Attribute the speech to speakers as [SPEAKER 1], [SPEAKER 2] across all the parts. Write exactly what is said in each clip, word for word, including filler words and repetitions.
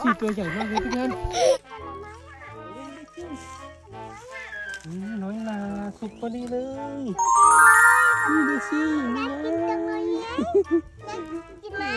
[SPEAKER 1] สิตัวใหญ่มากเลยพี่แทนน้อยนาสุกพอดีเลยนี่ดูสินี่ไง
[SPEAKER 2] กินไหม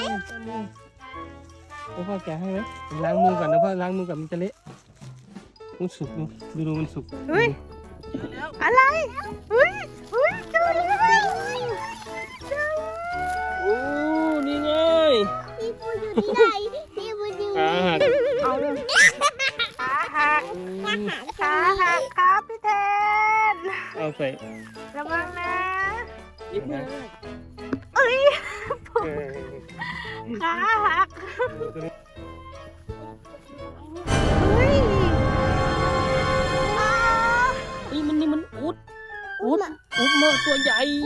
[SPEAKER 1] แล้วพ่อแกะให้ไหมล้างมือก่อนนะพ่อล้างมือก่อนมันจะเละมันสุกดูดูดูมันสุก
[SPEAKER 3] เฮ้ยอะไรเฮ้ยเฮ้ยเจอแล้วเจอ
[SPEAKER 1] โอ้นี่ไง
[SPEAKER 2] พี่ปูอยู่ที่ไหนพี่ปูอยู่
[SPEAKER 1] ขาหัก
[SPEAKER 3] เอาเลยขาหักขาหักครับพี่แทน
[SPEAKER 1] เอาใส่
[SPEAKER 3] ระวังนะ
[SPEAKER 1] นิดนึง
[SPEAKER 3] เอ้ย
[SPEAKER 1] เออ
[SPEAKER 3] ขาหักเฮ้ยอ้า
[SPEAKER 1] เฮ้ยมันนี่มันอุดอุดอุดเมื่อตัวใหญ่
[SPEAKER 2] ปู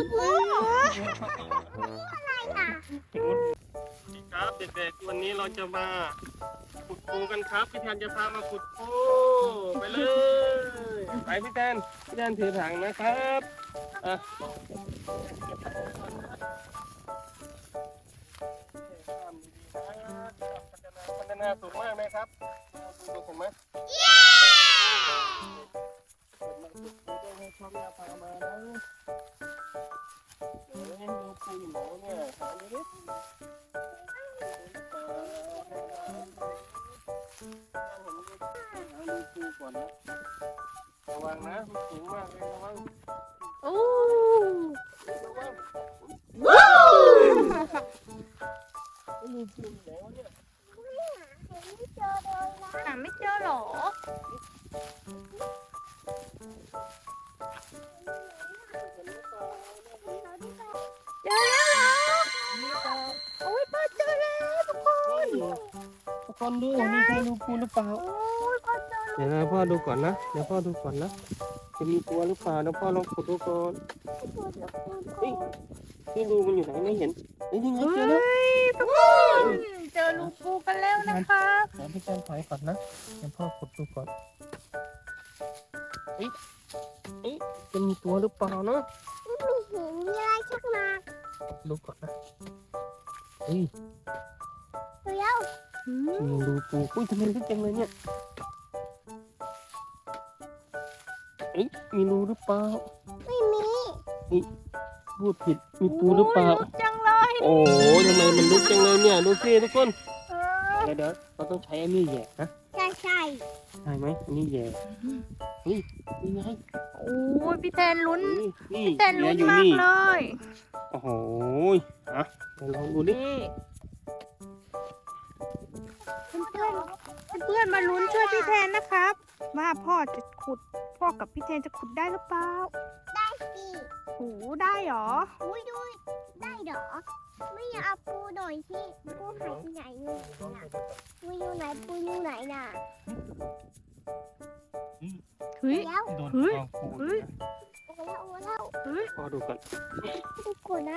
[SPEAKER 2] อะไรอ่ะ
[SPEAKER 1] ครับเด็กๆวันนี้เราจะมาขุดปูกันครับพี่แทนจะพามาขุดปูไปเลยไปพี่แทนพี่แทนถือถังนะครับอ่ะพัฒนาสูงมากไหมครับดูเห็นไหมให้ชอบยาพามานะเฮ้ยดูปูอยู่ไหนเนี่ยหาดูดิก่อนนะระวังนะมันสูงมากเลยระวัง
[SPEAKER 3] โอ้
[SPEAKER 1] ระวัง
[SPEAKER 3] ว้าว
[SPEAKER 1] ไม่มีปูไหนวะเนี่ย
[SPEAKER 2] ไม่เจอเลยนะ
[SPEAKER 3] หาไม่เจอหรอเจอแล้วเหรอโอ้ยพ่อเจอแล้วทุกคน
[SPEAKER 1] ทุกคนดูนี่ใช่ดูปูหรือเปล่า
[SPEAKER 3] โอ้ยพ่อเจอแล้ว
[SPEAKER 1] เดี๋ยวนะพ่อดูก่อนนะเดี๋ยวพ่อดูก่อนนะจะมีตัวหรือเปล่าเดี๋ยวพ่อลองขุดดูก่อนเฮ้ยนี่รูมันอยู่ไหนไม่เห็นเฮ้ยนี่ไงเจอแล้ว
[SPEAKER 3] เฮ้ยทุกคนเจอลูกปูกันแล้วนะคะ
[SPEAKER 1] เดี๋ยวพี่แจนถอยก่อนนะเดี๋ยวพ่อขุดดูก่อนเฮ้ยเฮ้ยจะมีตัวหรือเปล่าเนาะ
[SPEAKER 2] ไม่เห็นมีอะไรชักมา
[SPEAKER 1] ดูก่อนนะเฮ้ย
[SPEAKER 2] เดี๋ยว
[SPEAKER 3] อืม
[SPEAKER 1] มีรูปูอุ้ยทำไมลึกจังเลยเนี่ยเอ้ยมีรูหรือเปล่า
[SPEAKER 2] ไม่มี
[SPEAKER 1] พูดผิดมีปูหรือเปล่า
[SPEAKER 3] โยลึกจังเลย
[SPEAKER 1] โอ้ยทำไมมันลึกจังเลยเนี่ยดูสิทุกคน
[SPEAKER 3] เออ
[SPEAKER 1] เดี๋ยวเดี๋ยวเราต้องใช้อันนี้แหย่นะ
[SPEAKER 2] ใช่ใช่
[SPEAKER 1] ใช่ไหมอันนี้แหย่เฮ้ยนี่ไง
[SPEAKER 3] โอ้ยพี่แทนลุ้น
[SPEAKER 1] นี่นี่
[SPEAKER 3] พี่แทน
[SPEAKER 1] เหลื
[SPEAKER 3] ลุ้
[SPEAKER 1] อน อยู่
[SPEAKER 3] มาก
[SPEAKER 1] นี่
[SPEAKER 3] เลย
[SPEAKER 1] โอ้โหอ่ะเดี๋ยวลองดูดิ
[SPEAKER 3] นี่เพื่อนเพื่อนๆมาลุ้นช่วยพี่แทนนะครับว่าพ่อจะขุดพ่อกับพี่แทนจะขุดได้หรือเปล่า
[SPEAKER 2] ได้สิ
[SPEAKER 3] โอ้ได้เหรอ
[SPEAKER 2] อุ้ยดูได้เหรอไม่อยากเอาปูหน่อยที่ปูหายไปไหนอยู่ไหนน่ะปูอยู่ไหนปูอยู่ไหนน่ะ
[SPEAKER 3] เฮ้ย
[SPEAKER 2] แล้ว
[SPEAKER 1] โดน
[SPEAKER 3] เฮ้ย
[SPEAKER 1] กองปู
[SPEAKER 3] เฮ้ย
[SPEAKER 2] โอ้แล้วโอ้แล้ว
[SPEAKER 3] เฮ้ย
[SPEAKER 1] พอดูก่อน
[SPEAKER 2] ดูก่อนนะ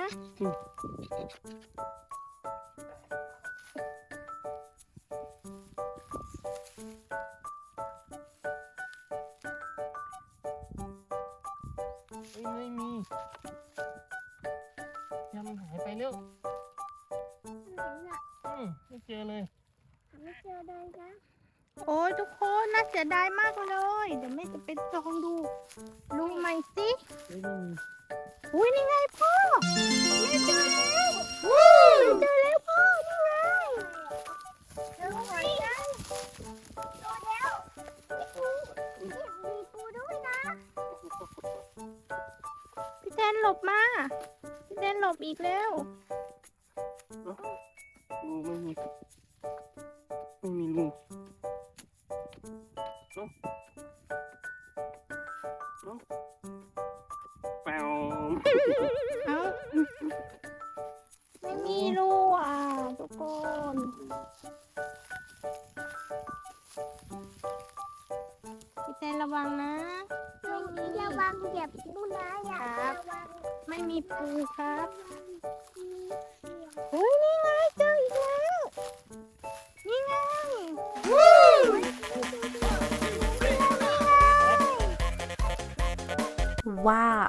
[SPEAKER 1] เฮ้ยไม่มียังมันหายไปแล้ว
[SPEAKER 2] ไหนน่ะ
[SPEAKER 1] อืมไม่เจอเลย
[SPEAKER 2] หาไม่เจอเลยนะ
[SPEAKER 3] โอ้ยทุกคนน่าเสียดายมากเลยเดี๋ยวแม่จะไปลองดูดูใหม่สิ
[SPEAKER 1] เฮ้ยไม่มี
[SPEAKER 3] อุ้ยนี่ไงพ่อแม่เจอแล้วแม่เจอแล้วพ่อนี่ไง
[SPEAKER 2] เจอไหนนะเจอแล้วมีปูมีปูด้วยนะ
[SPEAKER 3] พี่แทนหลบมาพี่แทนหลบอีกแล้ว
[SPEAKER 1] รูไม่มีไม่มีรูเอ้าเอ้าแปว
[SPEAKER 3] เอ้าไม่มีรูอ่ะทุกคนพี่แทนระวังนะ
[SPEAKER 2] ไม่มีระวังเหยียบปูนะอย่าระวัง
[SPEAKER 3] ไม่มีปูครับเฮ้ยนี่ไงเจออีกแล้วนี่ไง ว้าว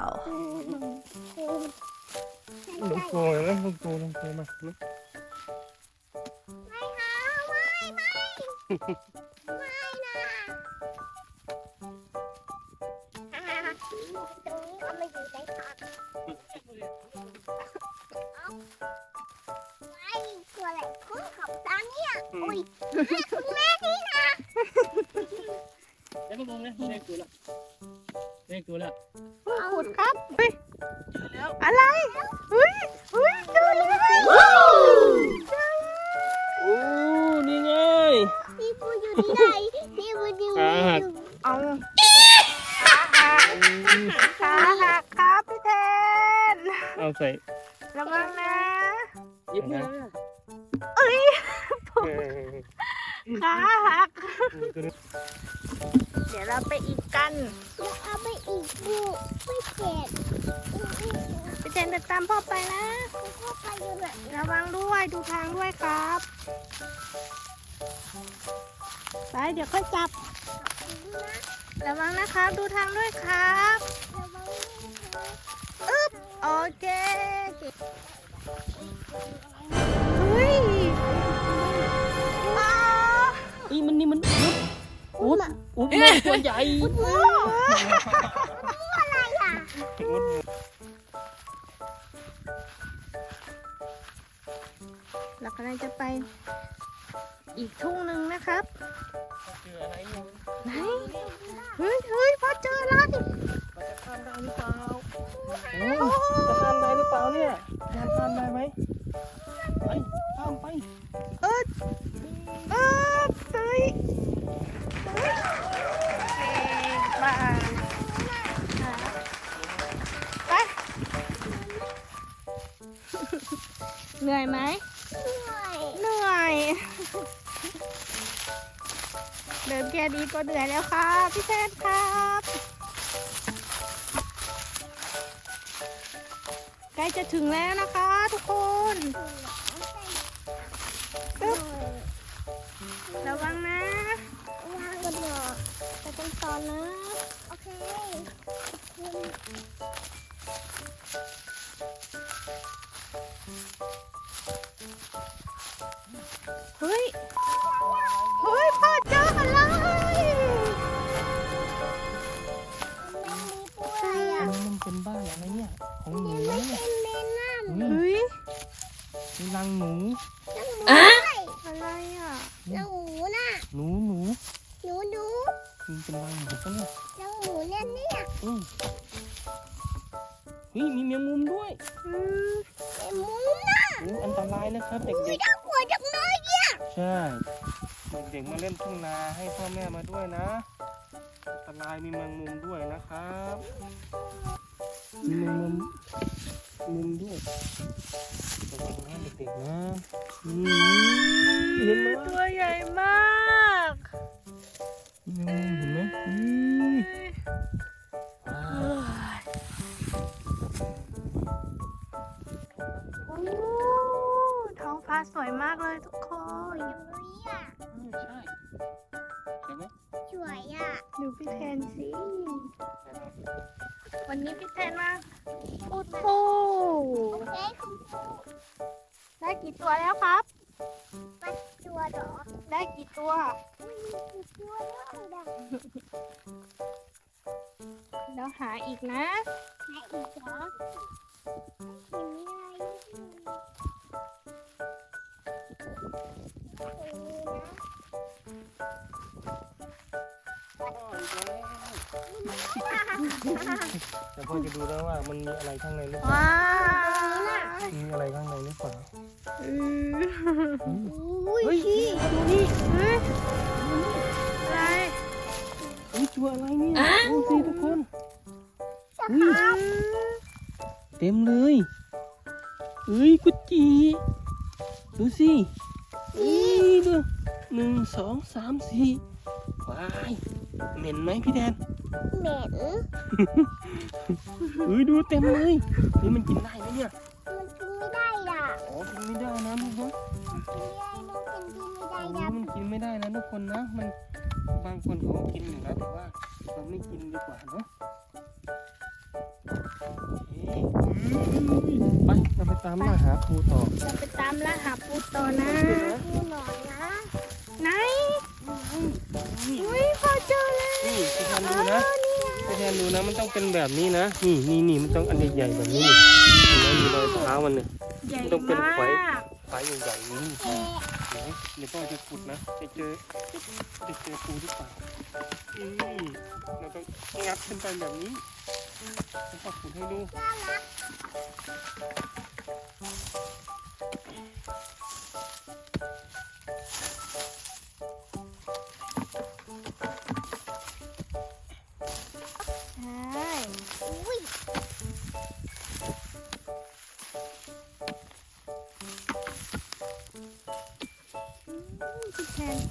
[SPEAKER 1] ลงโกยแล้วลงโกลงโกมา
[SPEAKER 2] ไม่เอาไม่ไม่ไม่นะตรงนี้เอามาอยู่ในถังไม่ตัวอะไรคุ้นของตาเนี่ยอุ้ยคุณแม่นี่นะ
[SPEAKER 1] แล้วก็มองนะเลขตัวละเลขตัวละ
[SPEAKER 3] ขุดครับเฮ้ย
[SPEAKER 1] เจอแล้ว
[SPEAKER 3] อะไรเฮ้ยเฮ้ยเจอแล้ว
[SPEAKER 1] โอ้นี่ไง
[SPEAKER 2] พี่ปูอยู่ที่ไหนพี่ปูอยู่
[SPEAKER 1] ขาหัก
[SPEAKER 3] เอาขาหักครับพี่แทน
[SPEAKER 1] เอาใส่
[SPEAKER 3] ระวังนะ
[SPEAKER 1] ยิบนะ
[SPEAKER 3] เอ้ยขาหัก เดี๋ยวเราไปอีกกัน
[SPEAKER 2] เดี๋ยวเอาไปอีกปูไม่เจ็บ
[SPEAKER 3] พี่แทนจะตามพ่อไปนะ
[SPEAKER 2] พ่อไปอยู่ไหน
[SPEAKER 3] ระวังด้วยดูทางด้วยครับ ไปเดี๋ยวค่อยจับ ระวังนะครับ ดูทางด้วยครับ
[SPEAKER 2] ระวังนะคะ
[SPEAKER 3] อึ๊บโอเคเฮ้ยอ้าว
[SPEAKER 1] อีมันนี่มันอุ๊ดอุ๊ดอุ๊ดมันตัวใหญ่
[SPEAKER 3] โอ้
[SPEAKER 2] อะไรอ่ะ
[SPEAKER 1] อุ๊ด
[SPEAKER 3] เรากำลังจะไปอีกทุ่งหนึ่งนะครับ
[SPEAKER 1] เจออะไรอยู่
[SPEAKER 3] ไหน เฮ้ยเฮ้ยพ่อเจอแล้วดิ
[SPEAKER 1] เราจะข้ามได้หรือเปล่าโอ้จะข้ามได้หรือเปล่าเนี่ยจะข้ามได้ไหมไปข้ามไป
[SPEAKER 3] เออเออเฮ้ยเฮ้ยเก่งมากไปเหนื่อยไหม
[SPEAKER 2] เหนื่อย
[SPEAKER 3] เหนื่อย เดินแค่นี้ก็เหนื่อยแล้วครับพี่แทนครับใกล้จะถึงแล้วนะคะทุกคนปึ๊บระวังนะ
[SPEAKER 2] วางกันเถอะ
[SPEAKER 3] ไปกันต่อนะ
[SPEAKER 2] โอเค
[SPEAKER 3] เฮ้ยเฮ้ยพ่อเจออะไร
[SPEAKER 2] มันมีปูอะไรอ่ะ
[SPEAKER 1] อันนี้มันเป็นบ้านอะไรเนี่ยของหนู
[SPEAKER 2] ไม่
[SPEAKER 1] เนี่ย
[SPEAKER 2] เป็นเมนนั่น
[SPEAKER 1] อุ้ย
[SPEAKER 3] เฮ้ย
[SPEAKER 1] มีรังหนู
[SPEAKER 2] นั่งหมูด้วย
[SPEAKER 3] อะไรอ่ะ
[SPEAKER 2] นั่งหมูน่ะ
[SPEAKER 1] หนูหนู
[SPEAKER 2] หนูหนู
[SPEAKER 1] มันเป็นรังหนูปะเนี่ย
[SPEAKER 2] นั่งหมูเนี่ยเนี่ย
[SPEAKER 1] อืมเฮ้ยมีแมงมุมด้วย
[SPEAKER 3] อืม
[SPEAKER 2] เป็นหมูน่ะ
[SPEAKER 1] โอ้อันตรายนะครับเด็
[SPEAKER 2] อุ้ย
[SPEAKER 1] ก
[SPEAKER 2] น่ากลัวจังเลยเนี่ย
[SPEAKER 1] ๆ ใช่ เด็กๆมาเล่นทุ่งนาให้พ่อแม่มาด้วยนะ อันตรายมีแมงมุมด้วยนะครับ มีแมงมุมมุมด้วยระวังนะเด็กๆนะอืมเห็นไหม
[SPEAKER 3] ตัวใหญ่มาก
[SPEAKER 1] มีแมงมุมเห็นไหมอืมว้าว
[SPEAKER 3] โอ้ท้องฟ้าสวยมากเลยทุกคน
[SPEAKER 2] เฮ้ยอ่ะ
[SPEAKER 1] อืมใช่ใช่ไหม
[SPEAKER 2] สวยอ่ะ
[SPEAKER 3] ดูพี่แทนสิ วันนี้พี่แทนมาอุดปู
[SPEAKER 2] โอเคคุณครู
[SPEAKER 3] ได้กี่ตัวแล้วครับ
[SPEAKER 2] ปัดตัวเหรอ
[SPEAKER 3] ได้กี่ตัว
[SPEAKER 2] อุ้ยมีตัวด้วยนะ
[SPEAKER 3] แล้วหาอีกนะ
[SPEAKER 2] ไหนอีกเหรอเห็นไม่ได้ตรงนี้นะ
[SPEAKER 1] แต่พ่อจะดูแล้วว่ามันมีอะไรข้างในหรือเปล่า
[SPEAKER 3] ว้าว
[SPEAKER 1] มีอะไรข้างในหรือเปล่า
[SPEAKER 3] อืม
[SPEAKER 2] อุ้ย
[SPEAKER 1] เฮ้ยดูนี่
[SPEAKER 3] เฮ้ยอะไร
[SPEAKER 1] อุ้ยตัวอะไรเนี่ยดูสิทุกคน
[SPEAKER 2] จะ
[SPEAKER 1] อุ้ย
[SPEAKER 2] ครับ
[SPEAKER 1] เต็มเลยเอ้ยกุจีดูสิอุ้ยดูหนึ่งสองสามสี่ว้ายเหม็นไหมพี่แดน
[SPEAKER 2] เหม็น
[SPEAKER 1] เอ้ยดูเต็มเลยนี่มันกินได้ไหมเนี่ย
[SPEAKER 2] มันกินไม่ได้อ่ะ
[SPEAKER 1] อ๋อกินไม่ได้นะลูกนะ
[SPEAKER 2] กินไม่ได้มันกินไม่ได้
[SPEAKER 1] โอ้
[SPEAKER 2] นะ
[SPEAKER 1] มันกินไม่ได้นะทุกคนนะ มันบางคนเขาก็กินอยู่นะแต่ว่าเราไม่กินดีกว่าเนาะเอ๊ะไปเราไปตามล่าหาครูต่อ
[SPEAKER 3] จะไปตามล่าหาปูต่อนะ
[SPEAKER 2] ดูหน่อยนะ
[SPEAKER 3] ไหน
[SPEAKER 1] นนะพี่แทนดูนะมันต้องเป็นแบบนี้นะนี่นี่นี่มันต้องอันใหญ่ๆแบบนี้นี่เห็นไหมมีรอยเท้ามันเนี่ย
[SPEAKER 3] ใหญ่
[SPEAKER 1] ต้องเป็น
[SPEAKER 3] มา
[SPEAKER 1] ไฟ
[SPEAKER 3] ก
[SPEAKER 1] ไฟใหญ่ๆนี่เห็นไหมเดี๋ยวพ่อจะขุดนะจะเจอจะเจอปูหรือเปล่าอืมเราต้องงัดขึ้นไปแบบนี้แล้วก็ขุดให้ดู
[SPEAKER 3] ใช่
[SPEAKER 2] อุ้ย
[SPEAKER 3] พี่แทน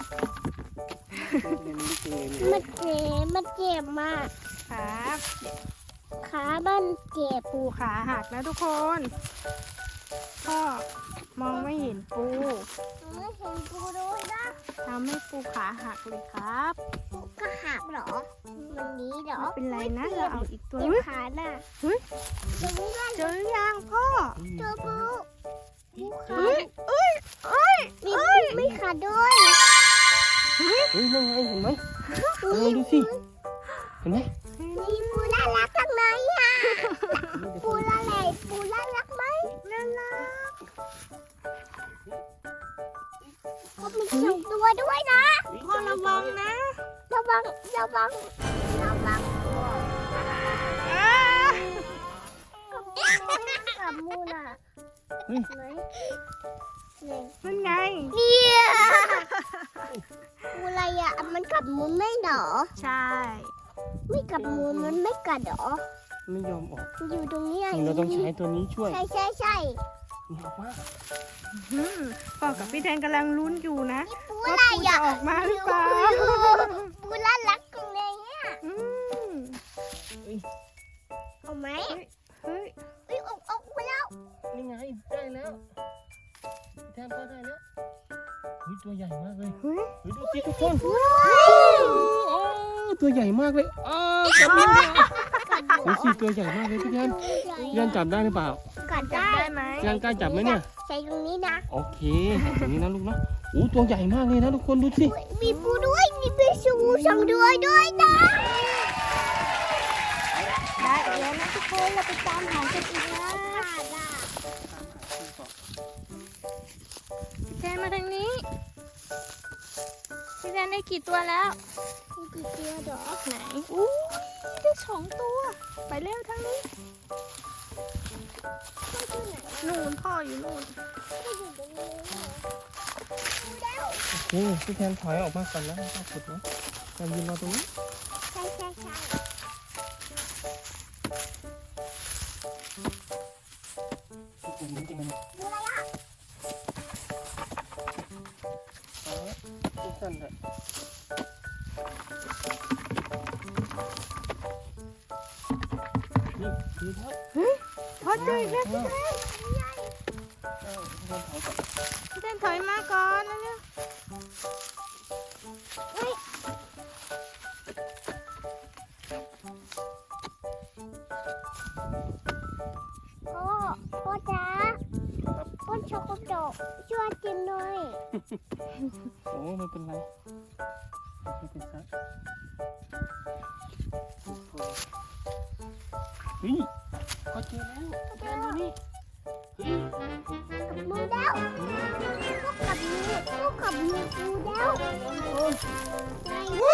[SPEAKER 2] มันเจ็บมันเจ็บมาก
[SPEAKER 3] ครับ
[SPEAKER 2] ขามันเจ็บ
[SPEAKER 3] ปูขาหักแล้วทุกคน พ่อมองไม่เห็นปู
[SPEAKER 2] ไม่เห็นปูด้วยนะ
[SPEAKER 3] ทำให้ปูขาหักเลยครับ
[SPEAKER 2] ปูก็หักเหรอมันนี้เหรอ
[SPEAKER 3] ไม่เป็นไรนะเราเอาอีกตัว
[SPEAKER 2] เจ็บ
[SPEAKER 3] เฮ้ย
[SPEAKER 2] ขาน่ะ
[SPEAKER 3] เฮ้ย
[SPEAKER 2] เจ็บไม่ได้
[SPEAKER 3] เจอหรือยังพ่อ
[SPEAKER 2] เจอปูปูขา
[SPEAKER 3] เฮ้ยเอ้ยเอ้ย
[SPEAKER 2] มีปูไม่ขาดด้วย
[SPEAKER 1] เฮ้ยนั่นไงเห็นไหมเออดูสิเห็นไหม
[SPEAKER 2] มีปูน่ารักจังเลยอ่ะปูน่ารักปูน่ารักไหมน่ารักเขามีสองตัวด้วยนะ
[SPEAKER 3] พ่อระวังนะ
[SPEAKER 2] ระวังระวังระวัง
[SPEAKER 3] อ้า
[SPEAKER 2] กับมูน่ะ
[SPEAKER 1] เฮ้ย
[SPEAKER 2] ไหนเนี่ย
[SPEAKER 3] นั่นไง
[SPEAKER 2] เนี่ยปูอะไรอ่ะมันกับมูนไม่เหรอ
[SPEAKER 3] ใช่
[SPEAKER 2] ไม่กับมูนมันไม่กัดเหรอ
[SPEAKER 1] ไม่ยอมออก
[SPEAKER 2] อยู่ตรงนี้อ่ะ
[SPEAKER 1] เราต้องใช้ตัวนี้ช่วย
[SPEAKER 2] ใช่ใช่ใช่
[SPEAKER 1] นี่ออกมา
[SPEAKER 3] อืมพ่อกับพี่แทนกำลังลุ้นอยู่นะ
[SPEAKER 2] ปู
[SPEAKER 3] ว่า
[SPEAKER 2] อะไร
[SPEAKER 3] ปูจะ
[SPEAKER 2] อ่ะ
[SPEAKER 3] ออกมาหรือเปล่า
[SPEAKER 2] ปูน่ารักจังเลยอ่ะ
[SPEAKER 3] อืม
[SPEAKER 2] เอาไหม
[SPEAKER 3] เฮ้ย
[SPEAKER 2] เอ้ยออกออกไปแล้ว
[SPEAKER 1] นี่ไงได้แล้วแทนพ่อได้แล้วเฮ้ยตัวใหญ่มากเลย
[SPEAKER 3] เฮ้ย
[SPEAKER 1] เฮ้ยดูสิทุกคนโอ้ตัวใหญ่มากเลยอ้าวจับมือดูสิตัวใหญ่มากเลยพี่แทนพี่แทนจับได้หรือเปล่า
[SPEAKER 2] กัด
[SPEAKER 3] จับ
[SPEAKER 2] ได้
[SPEAKER 3] ได้ไหม
[SPEAKER 1] พี่แทนกล้าจับไหมเนี่ย
[SPEAKER 2] ใส่ตรงนี้นะ
[SPEAKER 1] โอเคอย่างนี้นะลูกนะโอ้ตัวใหญ่มากเลยนะทุกคนดูสิ
[SPEAKER 2] มีปูด้วยมีปูชูสองด้วยด้วยนะ
[SPEAKER 3] ได้แล้วนะทุกคนเราไปตามหากันอีกนะพี่แทนมาทางนี้พี่แทนได้กี่ตัวแล้ว
[SPEAKER 2] มีกี่ตัวเหรอ
[SPEAKER 3] ไหนอู้ได้สองตัว ไปเร็วทางนี้นู่นพ่ออยู่นู่น
[SPEAKER 2] ไม่อยู่ตรงนี้เลยดูแล้ว
[SPEAKER 1] โอเคพี่แทนถอยออกมาก่อนแล้วก็ขุดนะแทนยืนรอตรงนี้
[SPEAKER 2] ใช่ใช่ใช่
[SPEAKER 1] ขุดนิดนึง
[SPEAKER 2] ดูอะไรอ่ะ
[SPEAKER 1] อ๋อสั้นๆเลยนี่ดีครับ
[SPEAKER 3] พ่อเจออีกแล้วพี่แทน
[SPEAKER 1] พี่แทนถอยก่อน
[SPEAKER 3] พี่แทนถอยมาก่อนนะเนี่ย
[SPEAKER 2] พ่อพ่อจ๋าพ่อช็อกโกแลตช่วยกินหน่อย
[SPEAKER 1] โอ้ไม่เป็นไรไม่เป็นไรเฮ้ยเขาเจอแล้วแทนดูนี่เฮ้ย
[SPEAKER 2] กับมือแล้วพวกกับมือพวกกับมือดูแล้วไง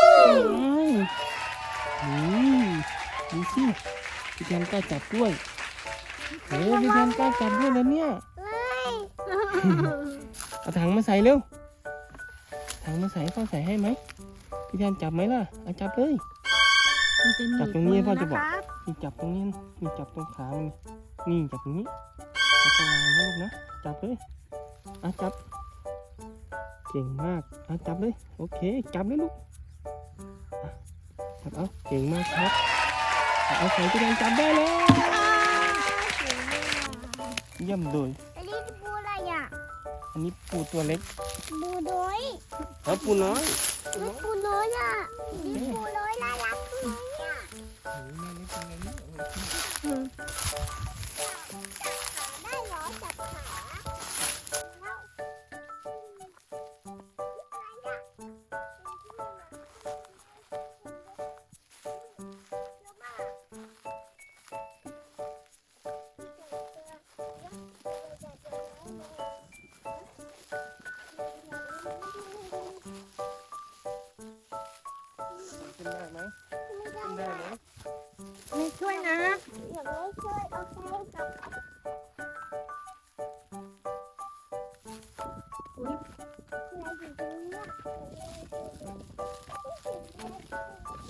[SPEAKER 1] นี่ดูสิพี่แทนกล้าจับด้วยโอ้พี่แทนกล้าจับด้วยแล้วเนี่ย
[SPEAKER 2] เลย
[SPEAKER 1] เอาถังมาใส่เร็วถังมาใส่พ่อใส่ให้ไหมพี่แทนจับไหมล่ะเอาจับเลย
[SPEAKER 3] มันจะหนี
[SPEAKER 1] จับตรงนี้
[SPEAKER 3] มื
[SPEAKER 1] พ่อจะบอก
[SPEAKER 3] นครับ
[SPEAKER 1] นี่จับตรงนี้นี่จับตรงขามันนี่จับตรงนี้แล้วก็วางนะลูกนะจับเลยอ่ะจับเก่งมากอ่ะจับเลยโอเคจับเลยลูกอ่ะจับเอาเก่งมากครับเอาใส่พี่แทนจับได้แล้ว เยี่ยมเลย
[SPEAKER 2] อันนี้ปูอะไรอ่ะ
[SPEAKER 1] อันนี้ปูตัวเล็ก
[SPEAKER 2] ปูน้อย
[SPEAKER 1] แล้วปูน้อย
[SPEAKER 2] ไม่ปูน้อยอ่ะนี่ปูน้อยน่ารักเลยอ่ะ
[SPEAKER 1] โอ้ยแม่เล็กจังเลยเนี่ย
[SPEAKER 3] อืม
[SPEAKER 2] ได้เหรอจับขาแล้วอะไรอ่ะ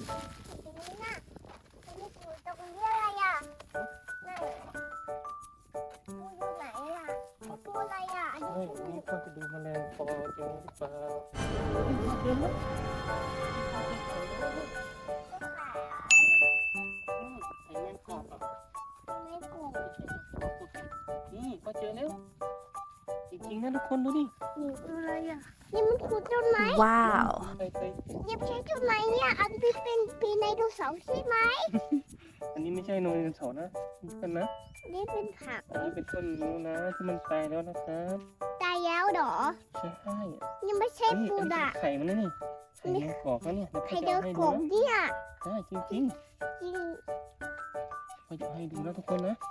[SPEAKER 2] ตรงนี้น่ะตรงนี้ปูตรงนี้อะไรอ่ะนั่นปูอยู่ไหนอ่ะปูอะไรอ่ะอันนี้
[SPEAKER 1] เฮ้ย
[SPEAKER 2] ปู
[SPEAKER 1] นี่พ่อจะดูแมลงปอเจอหรือเปล่าเจอไหม
[SPEAKER 2] ก็ขาย
[SPEAKER 1] ไข่แมงกอกอ่ะ
[SPEAKER 2] ไม่ปู
[SPEAKER 1] นี่พ่อเจอแล้วจริงๆนะทุกคนดูดิ
[SPEAKER 3] นี่คืออะไรอ่ะ
[SPEAKER 2] นี่มันขุดต้นไม้
[SPEAKER 3] ว้าว
[SPEAKER 1] เคยเคย
[SPEAKER 2] นี่ไม่ใช่ต้นไม้เนี่ยอันนี้เป็นปีไดโนเสาร์ใช่ไหม
[SPEAKER 1] อันนี้ไม่ใช่โนเรนโสนะนี่กันนะ
[SPEAKER 2] นี่เป็นผัก
[SPEAKER 1] อันนี้เป็นต้นนู้นนะที่มันตายแล้วนะครับ
[SPEAKER 2] ตายแล้วเหรอ
[SPEAKER 1] ใช่
[SPEAKER 2] นี่ไม่ใช่
[SPEAKER 1] นี่
[SPEAKER 2] ปู
[SPEAKER 1] อันนี้
[SPEAKER 2] ด่ะ
[SPEAKER 1] เป็นไข่มันนะนี่ไข่แมงกอกนะเนี่ย
[SPEAKER 2] ไข่
[SPEAKER 1] เดี๋
[SPEAKER 2] เดี
[SPEAKER 1] ย
[SPEAKER 2] ยว ว
[SPEAKER 1] พ่อจะ
[SPEAKER 2] ข
[SPEAKER 1] เอาให้ดู
[SPEAKER 2] อง
[SPEAKER 1] นะ
[SPEAKER 2] เนี่ย
[SPEAKER 1] ใช่จริง
[SPEAKER 2] จริง
[SPEAKER 1] ๆพ่อจะเอาให้ดูนะทุกคนนะ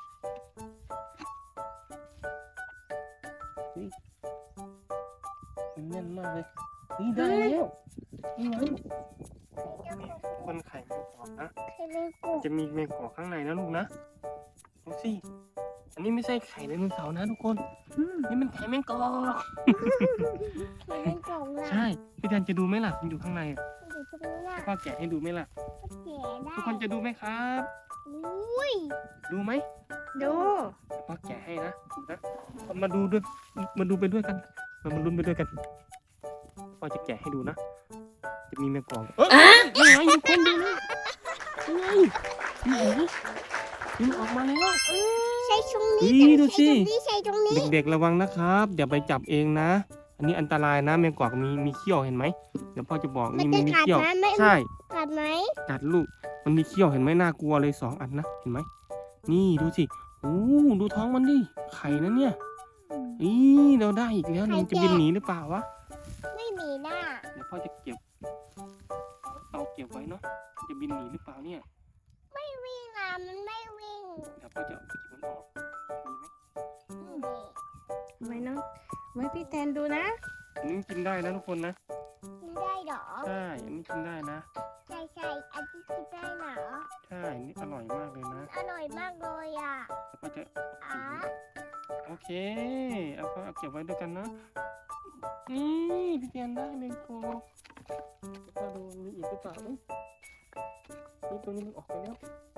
[SPEAKER 1] นี่มันแน่นมากเลยนี่ได้แล้วนี่ไงคนไข่แมงกอกนะ
[SPEAKER 2] ไข่แมงกุ
[SPEAKER 1] จะมีแมงกอกข้างในนะลูกนะดูสิอันนี้ไม่ใช่ไข่ไดโนเสาร์นะทุกคน
[SPEAKER 3] อืม
[SPEAKER 1] นี่มันไข่แมงกอก
[SPEAKER 2] ไข่แมงกุล่ะ
[SPEAKER 1] ใช่พี่แทนจะดูไหมล่ะมันอยู่ข้างในอะ
[SPEAKER 2] อยู่ตรงนี้น่ะ
[SPEAKER 1] ให้พ่อแกะให้ดูไหมล่ะ
[SPEAKER 2] แก่ได้
[SPEAKER 1] ทุกคนจะดูไหมครับ
[SPEAKER 2] อุ้ย
[SPEAKER 1] ดูไหม
[SPEAKER 3] ดู
[SPEAKER 1] พ่อแกะให้นะดูนะมาดูด้วยมาดูไปด้วยกันมามาลุ้นไปด้วยกันพ่อจะแกะให้ดูนะ จะมีแมงกอกเอ้ยนี่ไงทุกคนดูนะนี่ไงนี่ไงนี่มันออกมาแล้ว
[SPEAKER 2] ใช้ตรงนี้
[SPEAKER 1] นี่ดูสิ
[SPEAKER 2] ใช้ตรงนี้ใช้ตรงนี้
[SPEAKER 1] เด็กๆระวังนะครับอย่าไปจับเองนะ อันนี้อันตรายนะแมงกอกมีมีเขี้ยวเห็นไหมเดี๋ยวพ่อจะบอก
[SPEAKER 2] มัน
[SPEAKER 1] นี่
[SPEAKER 2] จะ
[SPEAKER 1] มี
[SPEAKER 2] กัด
[SPEAKER 1] เขี้ยว
[SPEAKER 2] ไหมไม่
[SPEAKER 1] ใช่
[SPEAKER 2] กัดไหม
[SPEAKER 1] กัดลูกมันมีเขี้ยวเห็นไหมน่ากลัวเลยสองอันนะเห็นไหมนี่ดูสิโอ้ดูท้องมันดิไข่นะเนี่ยอีเราได้อีกแล้วนี่จะบินหนีหรือเปล่าวะ
[SPEAKER 2] ไม่มีหน้า
[SPEAKER 1] เดี๋ยวพ่อจะเก็บเอาเก็บไว้เนาะจะบินหนีหรือเปล่าเนี่ย
[SPEAKER 2] ไม่วิ่งอ่ะมันไม่วิ่ง
[SPEAKER 1] เดี๋ยวพ่อจะเอาจิบมันออกมีไหม
[SPEAKER 3] ไว้น้องไว้พี่แทนดูนะ
[SPEAKER 1] อันนี้กินได้นะทุกคนนะ
[SPEAKER 2] กินได้เหรอ
[SPEAKER 1] ใช่อันนี้กินได้นะ
[SPEAKER 2] ใช่ใช่อันที่กินได้เหรอ
[SPEAKER 1] ใช่อันนี่อร่อยมากเลยนะ
[SPEAKER 2] อร่อยมากเลยอ่ะ
[SPEAKER 1] แล้วก็จะ
[SPEAKER 2] อ๋อ
[SPEAKER 1] โอเคเอาก็เอาเก็บไว้ด้วยกันนะนี่พี่เตียนได้แมงโกแล้วก็ดูมีอีกหรือเปล่าเอ้ยนี่ตัวนี้มันออกไปแล้ว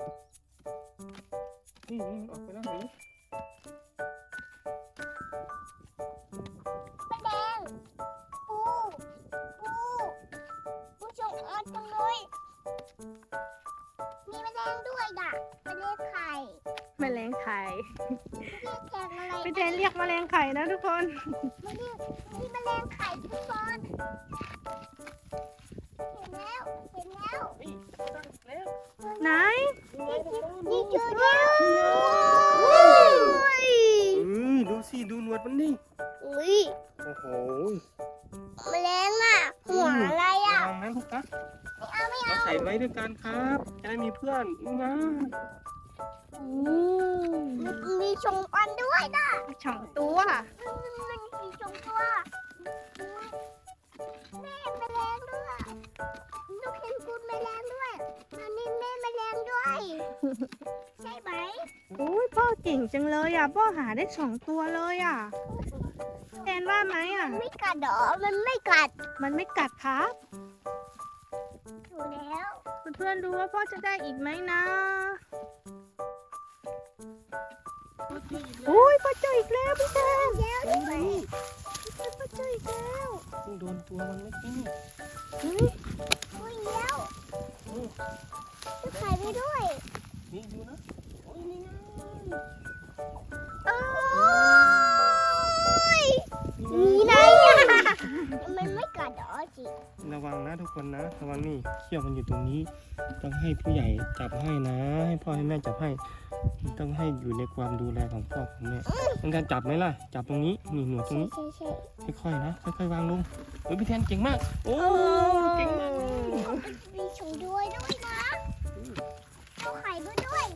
[SPEAKER 1] นี่นี่มันออกไปแล้วเห็นไหม
[SPEAKER 2] แมลงปูปูปูจงออดจังเลยมีแมลงด้วยด่ะแมลงไข่
[SPEAKER 3] แมลงไข่
[SPEAKER 2] เรียกแทงอะไร
[SPEAKER 3] พี่แทนเรียกแมลงไข่นะทุกคน
[SPEAKER 2] ไม่เรียกมีแมลงไข่ทุกคนเห็นแล้วเห็นแล้ว
[SPEAKER 1] นี่ได้แล้ว
[SPEAKER 3] ไหน
[SPEAKER 2] นี่เจอแล้ว
[SPEAKER 1] เอ้ยดูสิดูหนวดมันดิ
[SPEAKER 2] อุ้ย
[SPEAKER 1] โอ้โห
[SPEAKER 2] แมลงอ่ะหัวอะไรอ่ะ
[SPEAKER 1] วางนะลูกนะ
[SPEAKER 2] ไม่เอาไม่
[SPEAKER 1] เรา
[SPEAKER 2] เอา
[SPEAKER 1] ใส่ไว้ด้วยกันครับ จะได้มีเพื่อนนะ
[SPEAKER 2] มีมีชงอันด้วยนะ
[SPEAKER 3] ช่องตัว
[SPEAKER 2] มันมีชงตัวแม่แมลงด้วยลูกเห็นคุณแมลงด้วยอันนี้แม่แมลงด้วย ใช่ไหม
[SPEAKER 3] อุ้ยพ่อเก่งจังเลยอ่ะพ่อหาได้สองตัวเลยอ่ะแทนว่าไหมอ่ะ
[SPEAKER 2] ไม่กัดเหรอมันไม่กัด
[SPEAKER 3] มันไม่กัดครับ
[SPEAKER 2] ถูกแล้ว
[SPEAKER 3] เพื่อนๆดูว่าพ่อจะได้อีกไหมนะอุ้ยพ่อเจออีกแล้วพี่แทน
[SPEAKER 2] แล้วด้วย
[SPEAKER 3] พ่อเจออีกแล้ว
[SPEAKER 1] ซึ่งโดนตัวมันเมื่อกี้นี่
[SPEAKER 3] อุ้ย
[SPEAKER 2] อุ้ยแล้วจะไข่ไปด้วย
[SPEAKER 1] นี่ดูนะโอ้ยนี่ไง
[SPEAKER 2] โอ้ยมีไหนอ่ะมันไม่กัดเหรอจิ
[SPEAKER 1] ระวังนะทุกคนนะ ระวังนี่เขี้ยวมันอยู่ตรงนี้ ต้องให้ผู้ใหญ่จับให้นะ ให้พ่อให้แม่จับให้ ต้องให้อยู่ในความดูแลของพ่อของแม่ต้องการจับไหมล่ะ จับตรงนี้ นี่หนวดตรง
[SPEAKER 2] ใช่
[SPEAKER 1] นี้
[SPEAKER 2] ใช่ใช่
[SPEAKER 1] ค่อยๆนะ ค่อยๆวางลงเฮ้ยพี่แทนเก่งมาก โอ้เก่งมาก
[SPEAKER 2] มีชงด้วยด้วยนะเอาไข่ด้วยด้วย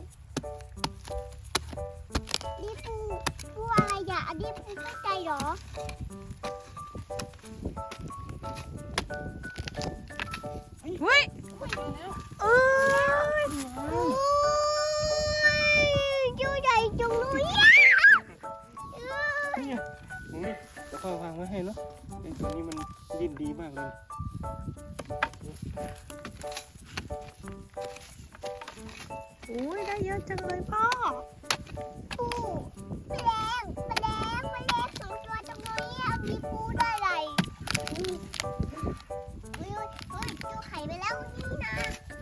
[SPEAKER 2] นี่ปูปูอะไรอ่ะอันนี้ปูเข้าใจเหรอ
[SPEAKER 3] เฮ้ย
[SPEAKER 2] เออโอ้ยตัวใหญ่จังเลยอ่ะเออ
[SPEAKER 1] นี่ไงโอ้ยเดี๋ยวพ่อวางไว้ให้เนาะไอ้ตัวนี้มันดิ้นดีมากเลย
[SPEAKER 3] อุ้ยได้เยอะจังเลยพ่อ
[SPEAKER 2] ปูแมลงแมลงแมลงสองตัวตรงนี้อ่ะมีปูด้วยอะไรอุ้ยอุ้ยอุ้ยดูไข่ไปแล้วนี่นะ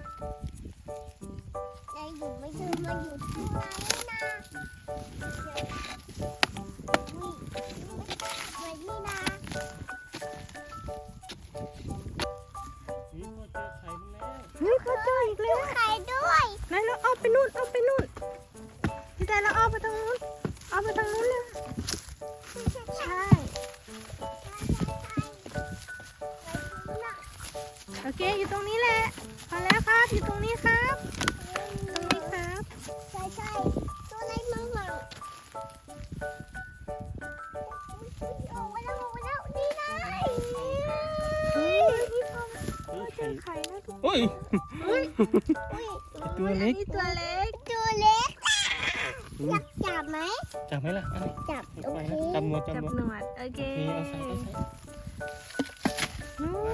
[SPEAKER 2] นายอยู่ไม่เจอมาอยู่ที่ไหนนะอุ้ยไว้นี่นะ
[SPEAKER 1] นี่พ่อเจอไข่มันแล้ว
[SPEAKER 3] เฮ้ยพ่อเจออีกแล้ว
[SPEAKER 2] ไข่ด้วย
[SPEAKER 3] ไหนเราเอาไปนู่นเอาไปนู่นพี่แทนเราเอาไปทางนู้นเอาไปทางนู้นเลยใช่โอเคอยู่ตรงนี้แหละพอแล้วครับอยู่ตรงนี้ครับตรงนี้ครับ
[SPEAKER 2] ใช่ใช่ตัวอะไรมั่งมั่งโอ้มาแล้วมาแล้วนี่ไง
[SPEAKER 3] เฮ้ยพี่พ่อ
[SPEAKER 1] เฮ้ย
[SPEAKER 3] เจ
[SPEAKER 1] ไข่
[SPEAKER 3] อไข่นะทุกคน
[SPEAKER 1] โอ้ย
[SPEAKER 3] เฮ้ย
[SPEAKER 2] อุ้ย
[SPEAKER 1] ตัวเล็ก
[SPEAKER 3] นี่ตัวเล็ก
[SPEAKER 2] ตัวเล็กอยากจับไหม
[SPEAKER 1] จับไหมล่ะอันนี้
[SPEAKER 2] จับ
[SPEAKER 1] ไม่
[SPEAKER 2] โอ
[SPEAKER 1] ไป
[SPEAKER 2] เค
[SPEAKER 1] นะจับหมดจับ
[SPEAKER 3] จับ
[SPEAKER 1] หมด
[SPEAKER 3] หนวดโอเค
[SPEAKER 1] โอเคเอาใส่เอาใส่
[SPEAKER 3] อืม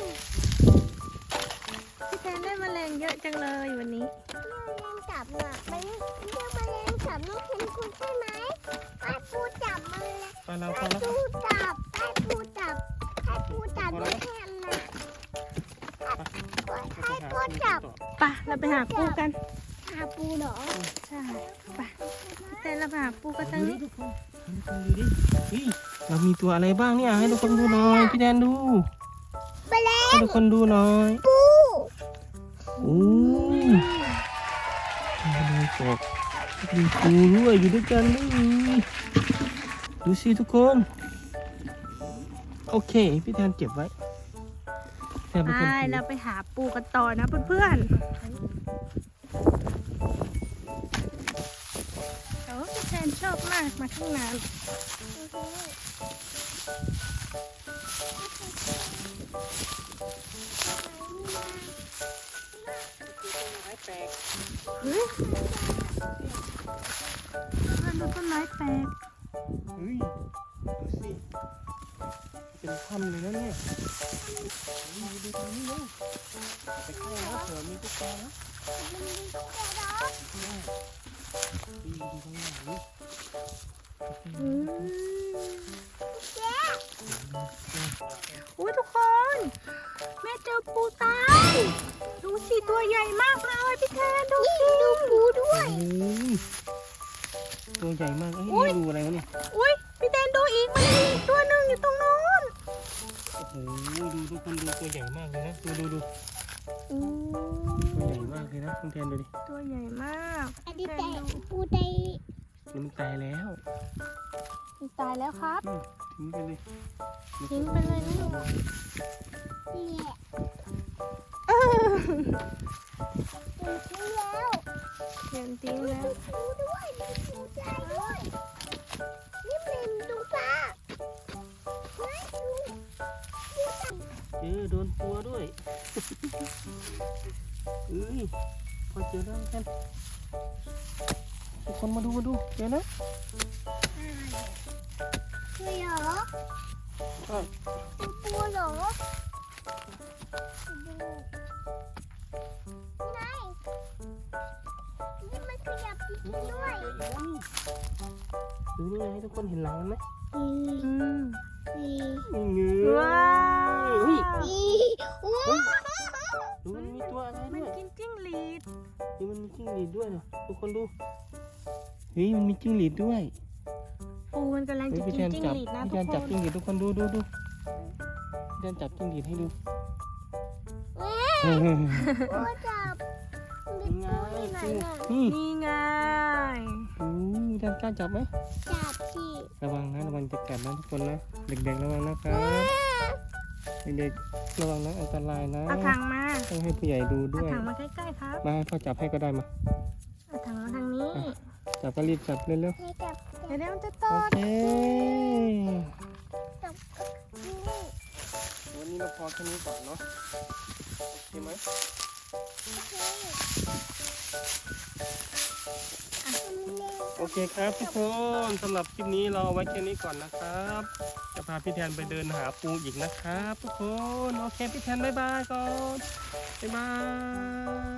[SPEAKER 3] พี่แทนได้แมลงเยอะจังเลยวันนี้
[SPEAKER 2] แมลงจับน่ะมันเรียกแมลงจับน้องเคนคุณใช่ไหมไอ้ปูจับมันเลย
[SPEAKER 1] ไปแล้วพ
[SPEAKER 2] ไอ้
[SPEAKER 1] อแล้ว
[SPEAKER 2] ปูจับไอ้ปูจับไอ้ปูจับน้องเคนนะไอ้ปูจับ
[SPEAKER 3] ไปเราไปหาปูกัน
[SPEAKER 2] หาปูเหรอ
[SPEAKER 3] ใช่ไปพี่แทนเราไปหาปูกันทาง
[SPEAKER 1] ดู
[SPEAKER 3] นี้
[SPEAKER 1] ดิทุกคนให้ทุกคนดูดิเฮ้ยเรามีตัวอะไรบ้างเนี่ยให้ทุกคนดูหน่อยพี่แดนดู
[SPEAKER 2] แมลง
[SPEAKER 1] ให้ทุกคนดูหน่อย
[SPEAKER 2] ปู
[SPEAKER 1] โอ้ยมีกบมีปูด้วยอยู่ด้วยกันเลยดูสิทุกคนโอเคพี่แทนเก็บไว้แทนเป็นคน
[SPEAKER 3] ใช่
[SPEAKER 1] ถือ
[SPEAKER 3] เราไปหาปูกันต่อนะเพื่อนๆแต่ว่าพี่แทนชอบมากมาข้างน้
[SPEAKER 1] แปลก
[SPEAKER 3] ำเฮ้ยเพื่อนดูต้นไม้แปลก
[SPEAKER 1] เฮ้ยดูสิเป็นถ้ำเลยนะเนี่ยเฮ้ยดูตรงนี้เลยไปใกล้นะเผื่อมีตุ๊กตานะ
[SPEAKER 2] มันมีตุ๊กแกเหรอ
[SPEAKER 1] ดูดูตรงไหน
[SPEAKER 3] อืม
[SPEAKER 2] แก
[SPEAKER 3] อุ้ยทุกคน แม่เจอปูตาย ดูสิตัวใหญ่มากเลยพี่แทนดูสิ
[SPEAKER 2] ดูปูด้วย
[SPEAKER 1] โอ้ยตัวใหญ่มากเอ้ย
[SPEAKER 3] อุ๊ย
[SPEAKER 1] นี่ดูอะไรวะเนี่ย
[SPEAKER 3] อุ้ยพี่แทนดูอีกมันมีอีกตัวหนึ่งอยู่ตรงโน้น
[SPEAKER 1] โอ้โหดูทุกคนดูตัวใหญ่มากเลยนะดูดูดู
[SPEAKER 3] อู้
[SPEAKER 1] ตัวใหญ่มากเลยนะคุณแทนดูดิ
[SPEAKER 3] ตัวใหญ่มาก
[SPEAKER 2] อันนี้
[SPEAKER 3] แท
[SPEAKER 2] แต่
[SPEAKER 3] นดู
[SPEAKER 2] ปูไต
[SPEAKER 1] นี่มันตายแล้ว
[SPEAKER 3] มันตายแล้วครับ
[SPEAKER 1] อืมทิ้งไปเลย
[SPEAKER 3] ทิ้งไปเลยนะหนู
[SPEAKER 2] นี่แหละ
[SPEAKER 3] เออ
[SPEAKER 2] ปูทิ้งแล้ว
[SPEAKER 3] เขียนทิ้งแล้ว
[SPEAKER 2] มีปูด้วยมีปูใจด้วยนี่มันดูปลาเฮ้ยดูดูจับ
[SPEAKER 1] เจอโดนตัวด้วยเอ้ยพอเจอแล้วกันทุกคนมาดูมาดูเจอนะ
[SPEAKER 2] เฮ้ยเหรอ
[SPEAKER 1] ใช่
[SPEAKER 2] เป็นปูเหรอดูไงนี่มันขยับจริงๆด้วย
[SPEAKER 1] ดูนี่ไงให้ทุกคนเห็นหลังมันไหม
[SPEAKER 2] อืม
[SPEAKER 3] อืม
[SPEAKER 2] นี่
[SPEAKER 1] นี่เงย
[SPEAKER 3] ว้า
[SPEAKER 1] เฮ้ย
[SPEAKER 3] ว
[SPEAKER 2] นี่ว้าว
[SPEAKER 1] ดูมันมีตัวอะไร
[SPEAKER 3] มั
[SPEAKER 1] ด้
[SPEAKER 3] น
[SPEAKER 1] วย
[SPEAKER 3] กินจิ้งหรีด
[SPEAKER 1] นี่มันมีจิ้งหรีดด้วยนะทุกคนดูเฮ้ยมันมีจิ้งหรีดด้วย
[SPEAKER 3] ปูมันกำลัง
[SPEAKER 1] เฮ้ย
[SPEAKER 3] จะ
[SPEAKER 1] พี่
[SPEAKER 3] กิ
[SPEAKER 1] แท
[SPEAKER 3] น
[SPEAKER 1] น
[SPEAKER 3] จิ้ง
[SPEAKER 1] จับ
[SPEAKER 3] หรีดนะ
[SPEAKER 1] พี่
[SPEAKER 3] ทุ
[SPEAKER 1] แท
[SPEAKER 3] ก
[SPEAKER 1] น
[SPEAKER 3] ค
[SPEAKER 1] จับ
[SPEAKER 3] น
[SPEAKER 1] จิ้งหรีดทุกคนดูดูดูพี่แทนจับจิ้งหรีดให้ดู
[SPEAKER 2] แม่
[SPEAKER 1] เฮ้ย
[SPEAKER 2] ปูจับมีปูที่ไหนน่ะ
[SPEAKER 1] นี่
[SPEAKER 3] นี่ไง
[SPEAKER 1] โอ้ยพี่แทนกล้าจับไหม
[SPEAKER 2] จับสิ
[SPEAKER 1] ระวังนะระวังจะกัดนะทุกคนนะเด็กๆระวังนะครับเด็กๆระวังนะอันตรายนะ
[SPEAKER 3] เอาถังมา
[SPEAKER 1] ต้องให้ผู้ใหญ่ดู
[SPEAKER 3] เอา
[SPEAKER 1] ด้วย
[SPEAKER 3] ถังมาใกล้ๆครับ
[SPEAKER 1] มาให้พ่อจับให้ก็ได้มา
[SPEAKER 3] เอาถังมาทางนี้
[SPEAKER 1] จับก็รีบจับเร็ว
[SPEAKER 2] ให้จับ
[SPEAKER 3] เดี๋ยวเดี๋ยวมันจะต
[SPEAKER 1] ๆโอก เค
[SPEAKER 2] จับนี่
[SPEAKER 1] วันนี้เราพอแค่นี้ก่อนเนาะโอเคไหม
[SPEAKER 2] โอเค
[SPEAKER 1] โอเคครับทุกคนสำหรับคลิปนี้เราเอาไว้แค่นี้ก่อนนะครับจะพาพี่แทนไปเดินหาปูอีกนะครับทุกคน โอเคพี่แทนบ๊ายบายก่อนบ๊ายบาย